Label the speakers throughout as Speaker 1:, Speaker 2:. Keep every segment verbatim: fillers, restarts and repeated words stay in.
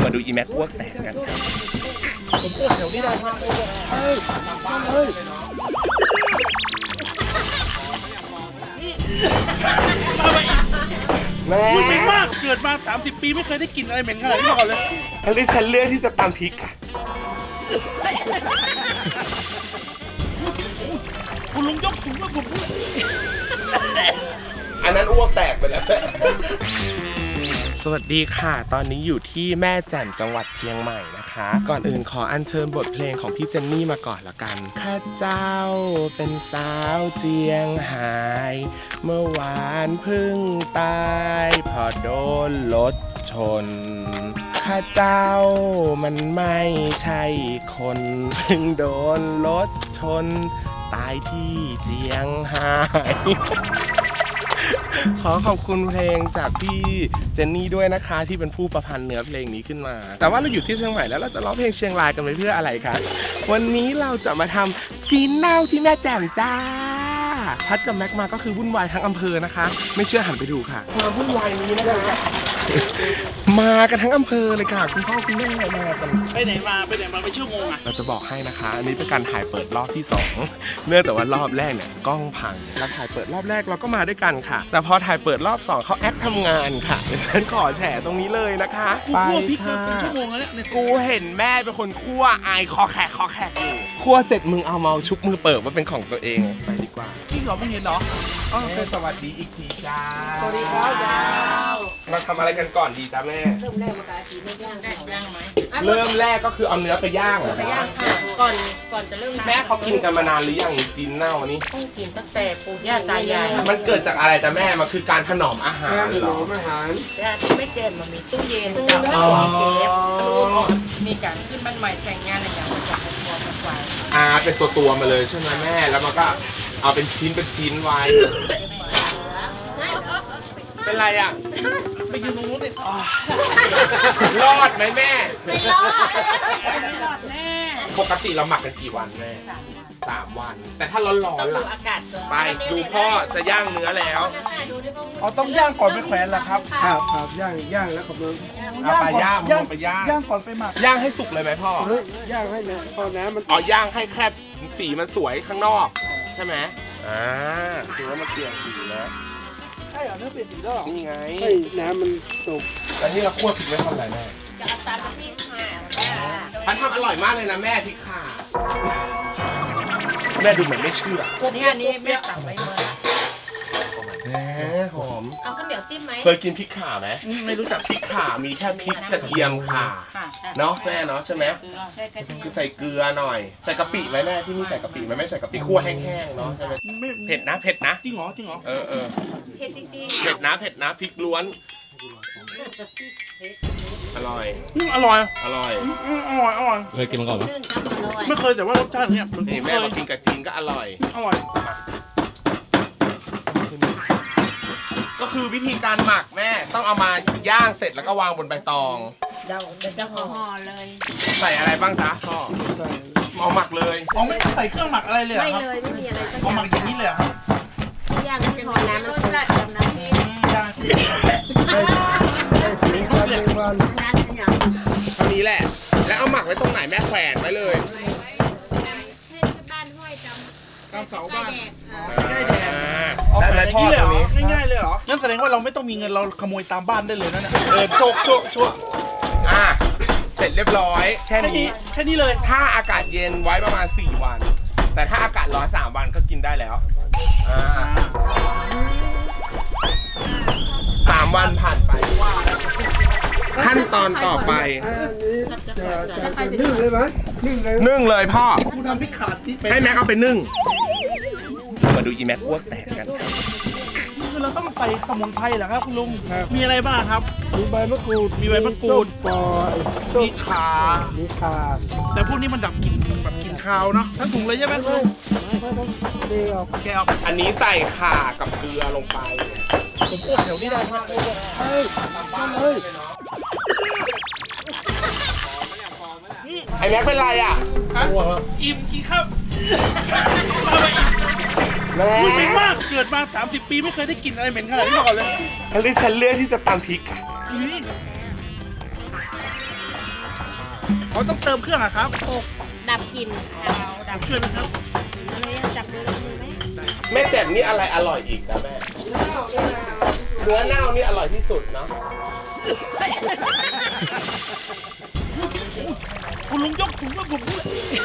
Speaker 1: มาดูอีแม็กอ้วกแตกกันผมอ้วกแถวนี้ได้ไหมเฮ้ยเฮ้ยแม่เหม็นมากเกิดมาสามสิบปีไม่เคยได้กลิ่นอะไรเหม็นขนาดนี้มาก่อนเลยอันนี้ฉันเลือกที่จะตำพริกค่ะคุณลุงยกถุงมาผมอันนั้นอ้วกแตกไปแล้วสวัสดีค่ะตอนนี้อยู่ที่แม่แจ่มจังหวัดเชียงใหม่นะคะก่อนอื่นขออัญเชิญบทเพลงของพี่เจนนี่มาก่อนละกันข้าเจ้าเป็นสาวเจียงไฮ้เมื่อวานเพิ่งตายพอโดนรถชนข้าเจ้ามันไม่ใช่คนเพิ่งโดนรถชนตายที่เจียงไฮ้ขอขอบคุณเพลงจากพี่เจนนี่ด้วยนะคะที่เป็นผู้ประพันธ์เนื้อเพลงนี้ขึ้นมาแต่ว่าเราอยู่ที่เชียงใหม่แล้วเราจะร้องเพลงเชียงรายกันไปเพื่ออะไรคะวันนี้เราจะมาทำจีนเน่าที่แม่แจ่มจ้าพัดกับแม็กมาก็คือวุ่นวายทั้งอำเภอนะคะไม่เชื่อหันไปดูค่ะความวุ่นวายนี้นะคะมากันทั้งอำเภอเลยค่ะคุณพ่อคุณแม่มากัน
Speaker 2: ไปไหนมาไปไหนมาไปชั่วโมงอ่ะ
Speaker 1: เราจะบอกให้นะคะอันนี้เป็นการถ่ายเปิดรอบที่สองเนื่องจากว่ารอบแรกเนี่ยกล้องพังแล้วถ่ายเปิดรอบแรกเราก็มาด้วยกันค่ะแต่พอถ่ายเปิดรอบสองเขาแอคทำงานค่ะเดี๋ยวฉันขอแฉตรงนี้เลยนะคะ
Speaker 2: กูคั่วพริกมาเป็นชั่วโมงแล้วเนี่ย
Speaker 1: กูเห็นแม่เป็นคนคั่วอายคอแขกคอแขกอยู่คั่วเสร็จมึงเอาเมาชุบมือเปิดว่าเป็นของตัวเองไปดีกว่า
Speaker 2: จริงเหรอมึงเห็นเหรอ
Speaker 1: อ๋อเป็นสวัสดีอีกทีจ้า
Speaker 2: สวัสดีครับจ้า
Speaker 1: มาทำอะไรกันก่อนดีจ้าแม่
Speaker 3: เริ่มแรกมาสีไม่ย่างย่างไหม
Speaker 1: เริ่มแรกก็คือเอาเนื้อไปย่างเหรอ
Speaker 3: ไปย่างค่ะก่อนก่อนจะเริ่ม
Speaker 1: แม่เขากินกันมานานหรือยังจีนเน่าอันนี้
Speaker 3: ต้องกินตั้งแต่ปู่ย่าตายาย
Speaker 1: มันเกิดจากอะไรจ้าแม่มันคือการถนอมอาหารเหรออาหาร
Speaker 3: ย่าที่ไม่เจนมันมีตู้เย็นจะเอาเก็บมีการขึ้นบ้านใหม่แต่งงานอะไรอย่างเงี้ยจะเป็นตัวเป็นไฟ
Speaker 1: อ่าเป็นตัวตัวมาเลยใช่ไหมแม่แล้วมันก็เอาเป็นชิ้นเป็นชิ้นไว้เป็นไรอ่ะ
Speaker 2: ไปยืนตรงนู้นดิ
Speaker 1: รอดไหมแม่
Speaker 3: ไม่รอดไม่รอดแน่
Speaker 1: ปกติเราหมักกันกี่วันแม่สามวันแต่ถ้าร้อนๆล่ะไปดูพ่อจะย่างเนื้อแล้ว
Speaker 2: อ๋อต้องย่างก่อนไปแขวนเหรอครับ
Speaker 4: ครับครับย่างย่างแล้วครับมึง
Speaker 1: เอาไปย่างย่างไปย่าง
Speaker 2: ย่างก่อนไปหมัก
Speaker 1: ย่างให้สุกเลยไหมพ่
Speaker 4: อย่างให้เนี่ยพอน้ำมัน
Speaker 1: อ๋อย่างให้แค่สีมันสวยข้างนอกใช่ไหมอ่าถือว่ามันเปลี่ยนสีแล้ว
Speaker 2: ใช่เหรอเนื้อเปลี่ยนสีแล้ว
Speaker 1: นี่ไง
Speaker 4: ให้น้ำมันสุก
Speaker 1: แต่นี่เราคั่วพริกไว้ทำอะไรแม่
Speaker 3: จะเอาตามพริกค่ะ
Speaker 1: พันทำอร่อยมากเลยนะแม่พริกข่าแม่ดูเหมือนไม่เชื่อ
Speaker 3: นี่อันนี้แม่ตักไว้เลย
Speaker 1: แหมหอม
Speaker 3: เอาข้าวเหนียวจิ้มไหม
Speaker 1: เคยกินพริกข่าไหมไม่รู้จักพริกข่ามีแค่พริกกระเทียมข่าเนาะแม่เนาะใช่ไหมคือใส่เกลือหน่อยใส่กะปิไหมแม่ที่นี่ใส่กะปิไหมไม่ใส่กะปิคั่วแห้งๆเนาะใช่ไหมเผ็ดนะเผ็ดนะ
Speaker 2: จริงเหรอจริงเหรอ
Speaker 1: เออเออ
Speaker 3: เผ็ดจริง
Speaker 1: ๆเผ็ดนะเผ็ดนะพริกล้วนอร่อย
Speaker 2: อร่อย
Speaker 1: อร่อย
Speaker 2: อร่อยอร่อย
Speaker 5: เคยกินมาก่อนไหม
Speaker 2: ไม่เคยแต่ว่ารสชาติเนี่ย
Speaker 1: นี่แม่มากินกับจีนก็อร่อย
Speaker 2: อร่อย
Speaker 1: ก็คือวิธีการหมักแม่ต้องเอามาย่างเสร็จแล้วก็วางบนใบตอง
Speaker 3: เดี๋ยวเดี๋ยวจะห่อเลย
Speaker 1: ใส่อะไรบ้างจ๊ะพ่อเอาหมักเลย
Speaker 2: อ๋อไม่ต้องใส่เครื่องหมักอะไรเลย
Speaker 3: ไม่เลยไม่มีอะไรสักอย่าง
Speaker 2: หมักอย่างนี้เลยครับ
Speaker 3: ย่างให้พอน้ำมันราดกับน้ำเอง
Speaker 2: ย่าง
Speaker 4: ให้ถึงวันหนึ่งวัน
Speaker 3: น้ำเป็นอย่าง
Speaker 1: เท่านี้แหละแล้วเอาหมักไว้ตรงไหนแม่แขวนไว้เลย
Speaker 3: บ้านห้วยจำ
Speaker 2: ตามเสาบ้าน
Speaker 1: ใกล้แดด
Speaker 2: ได้ไหมพ่อตรงนี้ง่ายๆเลยเหรองั้นแสดงว่าเราไม่ต้องมีเงินเราขโมยตามบ้านได้เลยนะเนี่ย
Speaker 1: เออโชคโชคโชคอ่ะเสร็จเรียบร้อยแค่นี้
Speaker 2: แค่นี้เลย
Speaker 1: ถ้าอากาศเย็นไว้ประมาณสี่วันแต่ถ้าอากาศร้อนสามวันก็กินได้แล้วอ่าสามวันผ่านไปขั้นตอนต่อไป
Speaker 4: นึ่งเลยไหมนึ่งเลย
Speaker 1: นึ่งเลยพ่อ
Speaker 2: กูทำพริกขาด
Speaker 1: ให้แม็กเอาไปนึ่งมาดูอีแม็กอ้วกแตกกัน
Speaker 2: คือเราต้องใส่สมุนไพรเหรอครับคุณลุงมีอะไรบ้างครับ
Speaker 4: มีใบมะกรูด
Speaker 2: มีใบมะกรูด
Speaker 4: ปอย
Speaker 2: มีข่า
Speaker 4: มีข่า
Speaker 2: แต่พวกนี้มันดับกลิ่นแบบกลิ่นคาวเนาะทั้งถุงเลยใช่ไหมคุณลุง
Speaker 4: เดี๋ยว
Speaker 2: แกเอา
Speaker 1: อันนี้ใส่ข่ากับเกลือลงไป
Speaker 2: ผมอ้วกแถวนี้ได้ไหม
Speaker 4: เฮ้ยเฮ้ย
Speaker 1: ไอ้แม็กเป็นไรอ่ะ
Speaker 2: อิ่มกี่ครับ
Speaker 1: แม่
Speaker 2: เหม็นมากเกิดมาสามสิบปีไม่เคยได้กลิ่นอะไรเหม็นขนาดนี้มาก่อนเลย
Speaker 1: อันนี้ฉันเลือกที่จะตำพริกค่ะ
Speaker 2: เขาต้องเติมเครื่องอะครับ
Speaker 5: ดับกลิ่นค่ะ
Speaker 2: ดับช่วยไหมครับ
Speaker 5: อะไรอะจับมือมือไหม
Speaker 1: แม่แจ่มนี่อะไรอร่อยอีกนะแม่เนื้อเน่านี่อร่อยที่สุดเนาะ
Speaker 2: คุณลุงยกถุงว่าผมพูด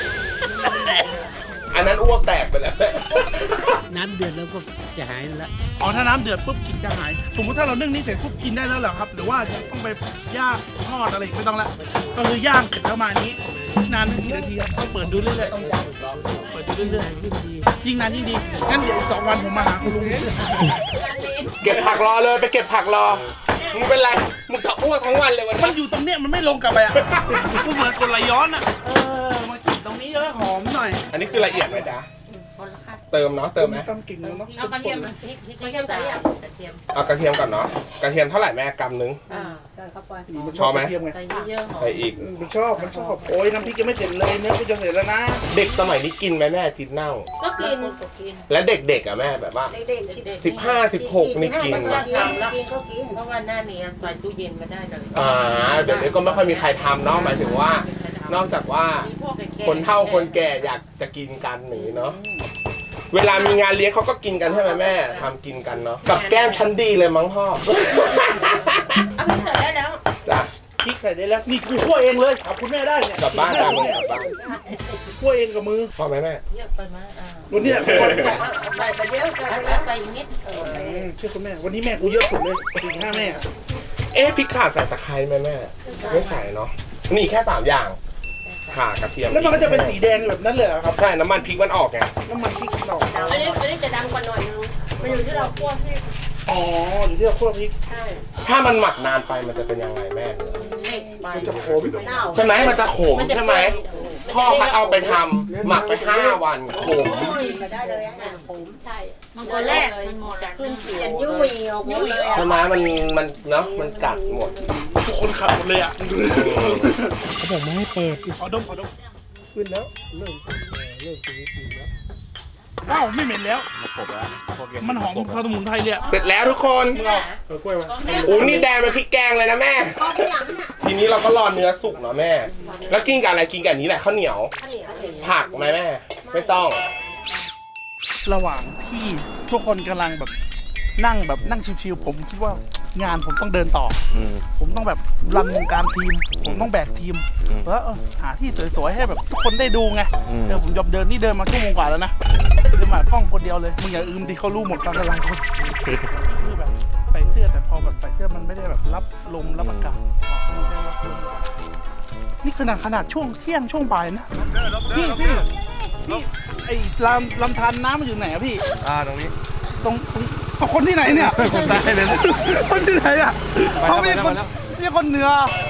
Speaker 1: อันนั้นอ้วกแตกไปแล้ว
Speaker 6: น้ำเดือดแล้วก็จะหายแล้ว
Speaker 2: อ๋อถ้าน้ำเดือดปุ๊บกลิ่นจะหาย สมมุติถ้าเรานึ่งนี่เสร็จปุ๊บกินได้แล้วเหรอครับ หรือว่าจะต้องไปย่างทอดอะไรอีกไม่ต้องละก็คือย่างเสร็จแล้วมานี้นานกี่นาทีครับต้องเปิดดูเรื่อยๆต้องย่างเปิดดูเรื่อยๆยิ่งนานยิ่งดีงั้นเดี๋ยวอีกสองวันผมมาหาคุณลุง
Speaker 1: เก็บผักรอเลยไปเก็บผักรอ มึงเป็นไร มึงจะอ้วกทั้งวันเลยวัน
Speaker 2: มัน
Speaker 1: นี้
Speaker 2: อยู่ตรงเนี้ยมันไม่ลงกลับไปอ่ะ กูเหมือนกดไหลย้อนอ่ะ เออมากินตรงนี้เยอะหอมหน่อย
Speaker 1: อันนี้คือละเอียดไหมจ๊ะ
Speaker 3: คนละค่ะ
Speaker 1: เติมเนาะเติมไหม
Speaker 2: ทำกิ่งแล้วเนาะ
Speaker 3: เอากระเทียมพริกพริกกระเทียมกระเทียม
Speaker 1: เอากระเทียมก่อนเนาะกระเทียมเท่าไหร่แม่กำนึง
Speaker 3: อ่าใส่เข้าไป
Speaker 2: มัน
Speaker 1: ชอบไหม
Speaker 2: กระเทียมไง
Speaker 3: ใส่เยอะๆหอม
Speaker 1: ใส่อีก
Speaker 2: เออมันชอบ มันชอบ โอ้ยน้ำพริกยังไม่เสร็จเลยเนื้อกูจะเสร็จแล้วนะ
Speaker 1: เด็กสมัยนี้กินไหมแม่จิตเน่า
Speaker 3: ก็กินก็กิน
Speaker 1: และเด็กๆอ่ะแม่แบบว่า
Speaker 5: เด็กๆสิบ
Speaker 1: สิบห้าสิบหกนี่กิน
Speaker 3: มันก็
Speaker 1: นะ
Speaker 3: ทำแล้ว
Speaker 5: กินก็กิน
Speaker 3: เพราะว่าหน้านี้ใส่ตู้เย็นมาได้เลย
Speaker 1: อ่าเดี๋ยวนี้ก็ไม่ค่อยมีใครทำเนาะหมายถึงว่า นอกจากว่า คนเฒ่าคนแก่อยากจะกินกันหนีเนาะเวลามีงานเลี้ยงเขาก็กินกันใช่ไหมแม่ทำกินกันเนาะกับแก้มชั้นดีเลยมั้งพ่อ
Speaker 3: เอาไปใส่ได้แล้ว
Speaker 1: จ้ะ
Speaker 2: พริกใส่ได้แล้ว นี่กูคั่วเองเลยเอาคุณแม่ได้เนี่ย
Speaker 1: กลับบ้านกัน
Speaker 2: เนี่ย
Speaker 1: กลับบ้าน
Speaker 2: คั่วเองกับมือ
Speaker 1: พอไหมแม่
Speaker 3: เยอะไปไหมอ่า
Speaker 2: วันนี้แหละเป็นวันของ
Speaker 3: ใส่ไปเยอะใส่ใส่นิดเออ
Speaker 2: อืมเชื่อคุณแม่ วันนี้แม่กูเยอะสุดเลยสี่ห้าแม่
Speaker 1: เอ๊ะพริกข่าใส่ตะไคร้ไหมแม่ไม่ใส่เนาะนี่แค่สามอย่างข่ากระเทียม
Speaker 2: แล้วมันก็จะเป็นสีแดงแบบนั้นเลยเหรอครับ
Speaker 1: ใช่น้ำมันพริกมันออกไง
Speaker 2: น้ำมันพริกดอก
Speaker 3: อันนี้อันนี้จะดำกว่าหน่อยนึงมันอยู่ที่เราคั่วที่
Speaker 2: อ๋ออยู่ที่เราคั่วพริก
Speaker 3: ใช่
Speaker 1: ถ้ามันหมักนานไปมันจะเป็นยังไงแม่เนื้อ
Speaker 3: เล็กไป
Speaker 2: มันจะขม
Speaker 1: ใช่ไหมมันจะขมใช่ไหมพ่อเขาเอาไปทำหมักไปห้าวันขม
Speaker 5: มาได้เลยอ่ะ
Speaker 3: ผมใช่
Speaker 5: มันคนแรก
Speaker 3: เลยจะขึ้นผิว
Speaker 5: จะยุ่ยออกหมดเลย
Speaker 1: ใช่ไหมมันมันเนาะมันกัดหมด
Speaker 2: ทุกคนขับหมดเลยอ่ะ
Speaker 4: เขาบอกไม่ให้เปิด
Speaker 2: ขอดมขอดม
Speaker 4: ขึ้นแล้วเริ่มเริ่มชีวิตจริงแล้ว
Speaker 2: ว้าวไม่เหม็นแล้ว มันหอมสมุนไพรเลยอะ
Speaker 1: เสร็จแล้วทุกคน
Speaker 2: เออกล้วยมา
Speaker 1: โอ้นี่แดงเป็นพริกแกงเลยนะแม่
Speaker 5: ก็ที่หลังน่ะ
Speaker 1: ทีนี้เราก็รอเนื้อสุกเนาะแม่ แล้วกินกับอะไรกินกับอันนี้แหละข้าวเหนียว
Speaker 5: ข้าวเหนียว
Speaker 1: ผักไหมแม่ ไม่ต้อง
Speaker 2: ระหว่างที่ทุกคนกำลังแบบนั่งแบบนั่งชิวๆผมคิดว่างานผมต้องเดินต่ออผมต้องแบบรันวงการทีม ผมต้องแบกทีมแล้วเออหาที่สวยๆให้แบบทุกคนได้ดูไงเดี๋ยวผมยอมเดินนี่เดินมาชั่วโมงกว่าแล้วนะเดินมากล้องคนเดียวเลยมึงอย่าอืมดิเขารู้หมดการกำลังคนคือแบบใส่เสื้อแต่พอแบบใส่เสื้อมันไม่ได้แบบรับลมรับอากาศไม่ได้รับลมนี่ขนาดขนาดช่วงเที่ยงช่วงบ่ายนะพี่พี่พี่ไอ้ลำลำธารน้ำมันอยู่ไหนอะพี่
Speaker 4: อ่าตรงนี้
Speaker 2: ตรงตรงเอาคนที่ไหนเนี่ย
Speaker 4: คนใต้เลย
Speaker 2: คนที่ไหนอ่ะ
Speaker 4: ไปแล้ว
Speaker 2: เขาไม่ใช่คน
Speaker 4: ไปแล้ว
Speaker 2: ไม่ใช่คนเหนือ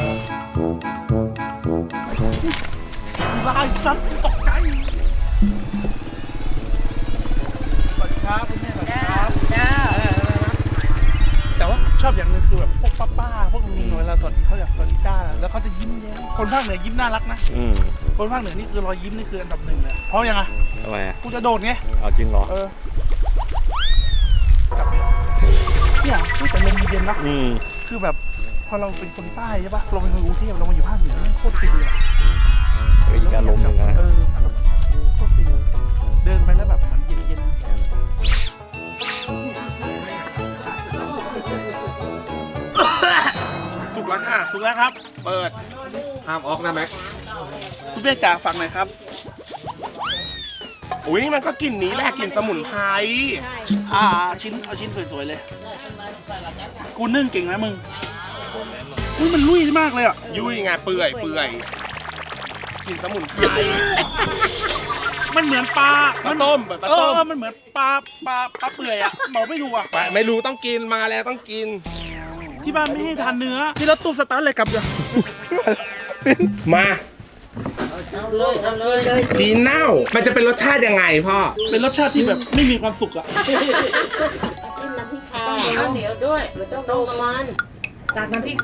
Speaker 2: ลายสัตว์ตกใจสวัสดีครับคุณแม่สวัสดีครับ
Speaker 3: จ้า
Speaker 2: แต่ว่าชอบอย่างหนึงคือแบบพวกป้าป้าๆพวกลุงๆเวลาสวัสดีเขาอยากสวัสดีจ้าแล้วเขาจะยิ้มแย้มคนภาคเหนือยิ้มน่ารักนะ
Speaker 4: อืม
Speaker 2: คนภาคเหนือนี่คือรอยยิ้มนี่คืออันดับหนึ่งเลยเพราะยังไง
Speaker 4: ทำไมอ่ะ
Speaker 2: กูจะโดดไง
Speaker 4: เอาจริงเหรอ
Speaker 2: เออ กลับเลยเนี่ยพูดแต่ลมเย็นนะ
Speaker 4: อืม
Speaker 2: คือแบบพอเราเป็นคนใต้ใช่ปะเราเป็นคนกรุงเทพเรามาอยู่ภาคเหนือแม่งโคตรฟินเลยอะ
Speaker 4: อีกอารมณ์หนึ่งนะ
Speaker 2: เออโคตรฟินเดินไปแล้วแบบเหมือนเย็นๆสุกแล้วค่ะสุกแล้วครับ เปิด
Speaker 1: ห้ามออกนะแม็ก
Speaker 2: คุณแม่จ๋าฟังหน่อยครับ
Speaker 1: อุ้ยมันก็กลิ่นนี้แหละกลิ่นสมุนไพร
Speaker 2: อ่าชิ้นเอาชิ้นสวยๆเลย กูนึ่งเก่งนะมึงอุ้ยมันลุยมากเลยอ่ะ
Speaker 1: ยุ่ยไงเปื่อยเปื่อยกลิ่นสมุนไพร
Speaker 2: มันเหมือนปลา
Speaker 1: ปลาส้มปลา
Speaker 2: เอ
Speaker 1: ส้ม
Speaker 2: อมันเหมือนปลาปลาปลาเปื่อยอ่ะบอกไม่ถูกอ่ะ
Speaker 1: ไปไม่รู้ต้องกินมาแล้วต้องกิน
Speaker 2: ที่บ้านไม่ให้ทานเนื้อที่รถตู้สตาร์ทเลยกลับเดี๋ยว
Speaker 1: มา
Speaker 3: เอาเลยเอาเลย
Speaker 1: จีนเน่า มันจะเป็นรสชาติยังไงพ่อ
Speaker 2: เป็นรสชาติที่แบบไม่มีความสุขอ่ะ
Speaker 5: จิ้มน้ำพริกค่ะ
Speaker 3: ข้าวเหนียวด้วย
Speaker 5: มันต้องโดนมัน
Speaker 3: ตักน้ำพริกใส่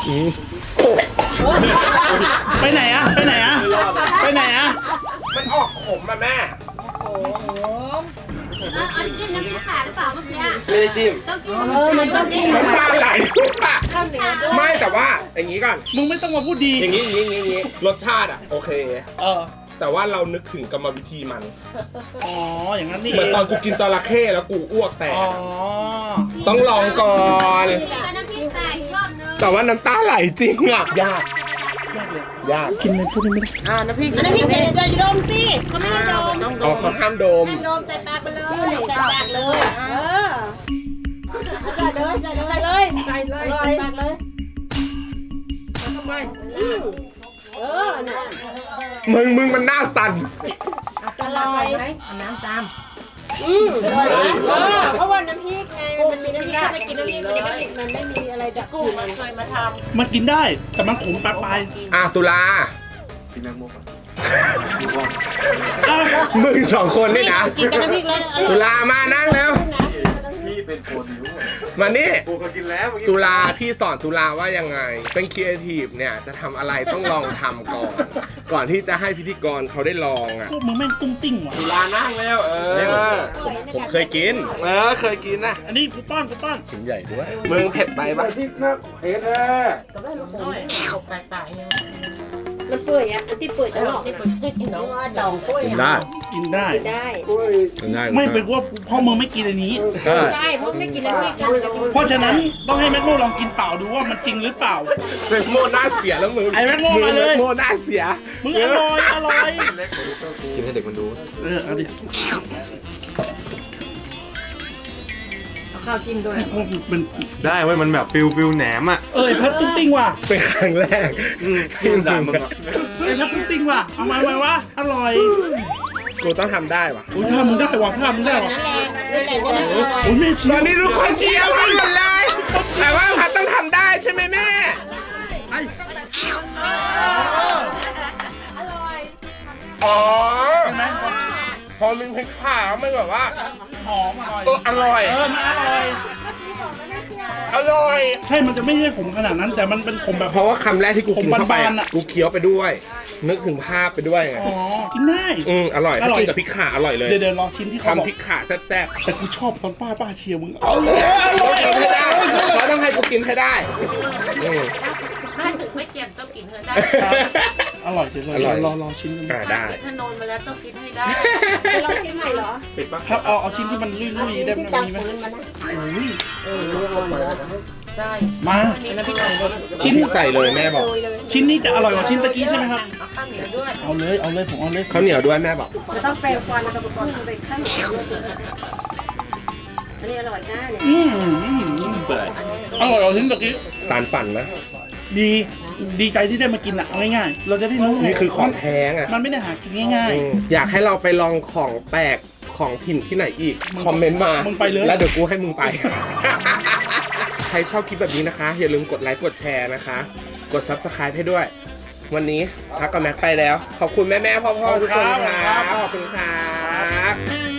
Speaker 2: ไปไหนอ่ะไปไหนอ่ะไปไหนอ่ะ
Speaker 1: มันออกขมมาแม่
Speaker 5: อันจิ้มน้ำพริกขาหรือเปล่าเมื่อกี้
Speaker 1: ไม่ได้จิ้ม
Speaker 5: ต้องจิ้มเออมันต้องจิ้ม
Speaker 1: น้ำตาไหล
Speaker 3: ข้าวเหนียวด้วย
Speaker 1: ไม่แต่ว่าอย่างนี้ก่อน
Speaker 2: มึงไม่ต้องมาพูดดี
Speaker 1: อย่างนี้อย่างนี้อย่างนี้อย่างนี้รสชาติอ่ะโอเค
Speaker 2: เออ
Speaker 1: แต่ว่าเรานึกถึงกรรมวิธีมัน
Speaker 2: อ๋ออย่างนั้นนี่
Speaker 1: เหมือนตอนกูกินจระเข้แล้วกูอ้วกแตก
Speaker 2: อ๋อ
Speaker 1: ต้องลองก่อน
Speaker 5: น้ำพริกใส่อีกรอบนึง
Speaker 1: แต่ว่าน้ำตาไหลจริงอ่ะยาก
Speaker 2: ยากเลย
Speaker 1: ยาก
Speaker 2: กินในพวกนี้ไม่ได้
Speaker 3: อ่าน้ำพริก
Speaker 5: น้ำพริกเดี๋ยวจะดมสิเขาไม่ได้ดม
Speaker 3: ต้องด
Speaker 1: อ๋อ
Speaker 3: ม
Speaker 1: เขาห้ามดม
Speaker 5: ดมใส่ปากไปเลยใส่ปากเลยเออใส่เลยใส่เลยใส่เลยใส่เลยใส่ปากเลย
Speaker 3: ทำไม
Speaker 5: เออน่ะ
Speaker 1: มึงมึงมันหน้าสั่น
Speaker 5: อร่อย
Speaker 3: ไหมเอาน้ำตาม
Speaker 5: อืมอร่อยนะเออเพราะว่าน้ำพริกไงมันมีน้ำพริกถ้าไม่กินน้ำพริกมันจะไม่มันไม่มีอะไรดับก
Speaker 3: กุ้ง
Speaker 5: ลิ่น
Speaker 3: มันเคยมาท
Speaker 2: มันกินได้แต่มันขมปลายปลาย
Speaker 1: อ่ะตุลา
Speaker 2: อ้าว
Speaker 1: มึงสองคนนี่นะ
Speaker 5: กินกับน้ำพริกแล้วอร่
Speaker 1: ตุ
Speaker 5: อย
Speaker 1: ลามานั่งแล้ว
Speaker 5: นะ
Speaker 7: พี่เป็นโปรดิวเซอร์
Speaker 1: มานี่
Speaker 7: กูเคยกินแล้วเมื่อกี้
Speaker 1: ตุลาพี่สอนตุลาว่ายังไง เป็นครีเอทีฟเนี่ยจะทำอะไรต้องลองทำก่อน ก่อนที่จะให้พิธีกรเขาได้ลองอ่ะ
Speaker 2: พวกมึงแม่งตุ้งติ้งว่ะ
Speaker 1: ตุลานั่งแล้วเออ
Speaker 5: ผมเคยกิน
Speaker 1: เออเคยกินนะ
Speaker 2: อันนี้กูป้อนกูป้อน
Speaker 1: ชิ้นใหญ่ด้วยมึงเผ็ดไปปะ
Speaker 7: พริกนะเผ็ดแน่
Speaker 3: ำด้วยตกแปลกๆเนี่ย
Speaker 5: มันเปื่อยอ่ะอันที่เปื่อยตลอด
Speaker 3: ที่
Speaker 5: นะ
Speaker 3: เปิดให้น้อง
Speaker 5: ว่าดองกล้วย
Speaker 1: กินได้
Speaker 2: กินได้
Speaker 5: ได้
Speaker 7: กล้วย
Speaker 1: กินได้
Speaker 2: ไม่เป็นว่าพ่อมึงไม่กินอันนี้
Speaker 1: ใช่
Speaker 5: ใช่เพราะไม่กินน้ำพริกกัน
Speaker 2: เพราะฉะนั้นต้องให้แม็กโน่ลองกินเปล่าดูว่ามันจริงหรือเปล่า
Speaker 1: เป็นโมหน้าเสียแล้วมึง
Speaker 2: ไอ้แม็กโม่มาเลย
Speaker 1: งโมหน้าเสีย
Speaker 2: มึงอร่อยอร่อย
Speaker 7: กินให้เด็กมันดู
Speaker 2: เออเอาดิ
Speaker 3: เอาข้าวจิ้มด้วย
Speaker 2: พวกมึงเป็น
Speaker 7: ได้เว้ยมันแบบฟิลฟิลแหนมอ่ะ
Speaker 2: เอ้ยพัดตุ้งติ้งว่ะ
Speaker 1: เป็นครั้งแรก
Speaker 7: ที่มันด่ามึงอ่ะ
Speaker 2: เอ้ยพัดตุ้งติ้งว่ะเอามาไว้วะอร่อย
Speaker 1: กูต้องทำได้ปะ
Speaker 2: อุ้ยถ้ามึงได้ว่ะถ้ามึงได้ว่ะ
Speaker 5: นั่นแหละนั่นแหละจะได้อร่อย
Speaker 2: อุ้ยแม่เชี
Speaker 1: ต
Speaker 2: ย
Speaker 1: อน
Speaker 2: ร์
Speaker 1: นี้ทุกคนเชียร์พี่หมดเลย แต่ว่าพัดต้องทำได้ใช่ไหมแม่
Speaker 2: ไอ้
Speaker 1: อ๋อ
Speaker 2: ใช่ไหม
Speaker 1: พอมึงพริกขาวมันแบบว่า
Speaker 2: หอมอร่อย
Speaker 1: เอออร่อย
Speaker 2: เออมันอร่อย
Speaker 1: อร่อย
Speaker 2: ใช่มันจะไม่ใช่ขมขนาดนั้น แต่มันเป็นขมแบบ
Speaker 1: เพราะว่าคำแรกที่กูกินเข้าไป
Speaker 2: ผมบานๆ
Speaker 1: อะ
Speaker 2: อะ
Speaker 1: กูเคี้ยวไปด้วย นึกถึงภาพไปด้วยไง
Speaker 2: อ๋อกินได้
Speaker 1: อืมอร่อย
Speaker 2: อ
Speaker 1: ถ้า
Speaker 2: ร่อย
Speaker 1: กินกับพริกข่าอร่อยเลย
Speaker 2: เดี๋ยวเดี๋ยวรอชิ้นที่เขาบอก
Speaker 1: ทำพริกข่าแซ่บ
Speaker 2: แต่กูชอบตอนป้าป้าเชียร์มึงเอาเลย
Speaker 1: ๆต้องกินให้ได้เขาต้องให้กูกินให้ได้อืม
Speaker 3: ถ้าถึงไม่เจ็บต้องกินเถอะได้
Speaker 2: อร่อยจริงเลย
Speaker 1: อร่อย
Speaker 2: รอรอชิ้นนึง
Speaker 1: อ่าได้
Speaker 3: ถ้านอนมาแล้วต้องกินให้ได้
Speaker 5: ลองชิมใหม่เหรอ
Speaker 1: ปิดปะ
Speaker 2: ครับเอาเอาชิ้นที่มันลุยๆได้ไหม
Speaker 5: ที่ตัก
Speaker 2: มีไหม
Speaker 5: ของมันมานะ
Speaker 2: อุ้ย
Speaker 3: ใช่
Speaker 2: มา
Speaker 3: เป็นน้ำพริกไก่เลย
Speaker 2: ชิ้น
Speaker 1: ใส่เลยแม่บอก
Speaker 2: ชิ้นนี้จะอร่อยกว่าชิ้นตะกี้ใช่ไหมครับ
Speaker 3: เอาข้าวเหนียวด้วย
Speaker 2: เอาเลยเอาเลยผมเอาเลย
Speaker 1: ข้าวเหนียวด้วยแม่บอก
Speaker 5: จะต้องแปลงฟันแล้วก็ก่อนไปข้างเหนียวอันนี้อร่อยนะเนี่ย
Speaker 2: อืมอร่อยกว่าชิ้นตะกี้
Speaker 1: สารฝันนะ
Speaker 2: ดีดีใจที่ได้มากินอ่ะเอาง่ายๆเราจะได้รู้ไง
Speaker 1: นี่คือของแท้ไง
Speaker 2: มันไม่ได้หากินง่าย
Speaker 1: อืมอยากให้เราไปลองของแปลกของถิ่นที่ไหนอีก คอมเมนต์มา
Speaker 2: มึงไปเลย
Speaker 1: แล้วเดี๋ยวกูให้มึงไป ใครชอบคลิปแบบนี้นะคะ อย่าลืมกดไลค์กดแชร์นะคะ กด ซับสไครบ์ ให้ด้วย วันนี้พักกับแม็กไปแล้ว ขอบคุณแม่แม่ๆพ่อพ่อๆทุกคนครับขอบคุณครับ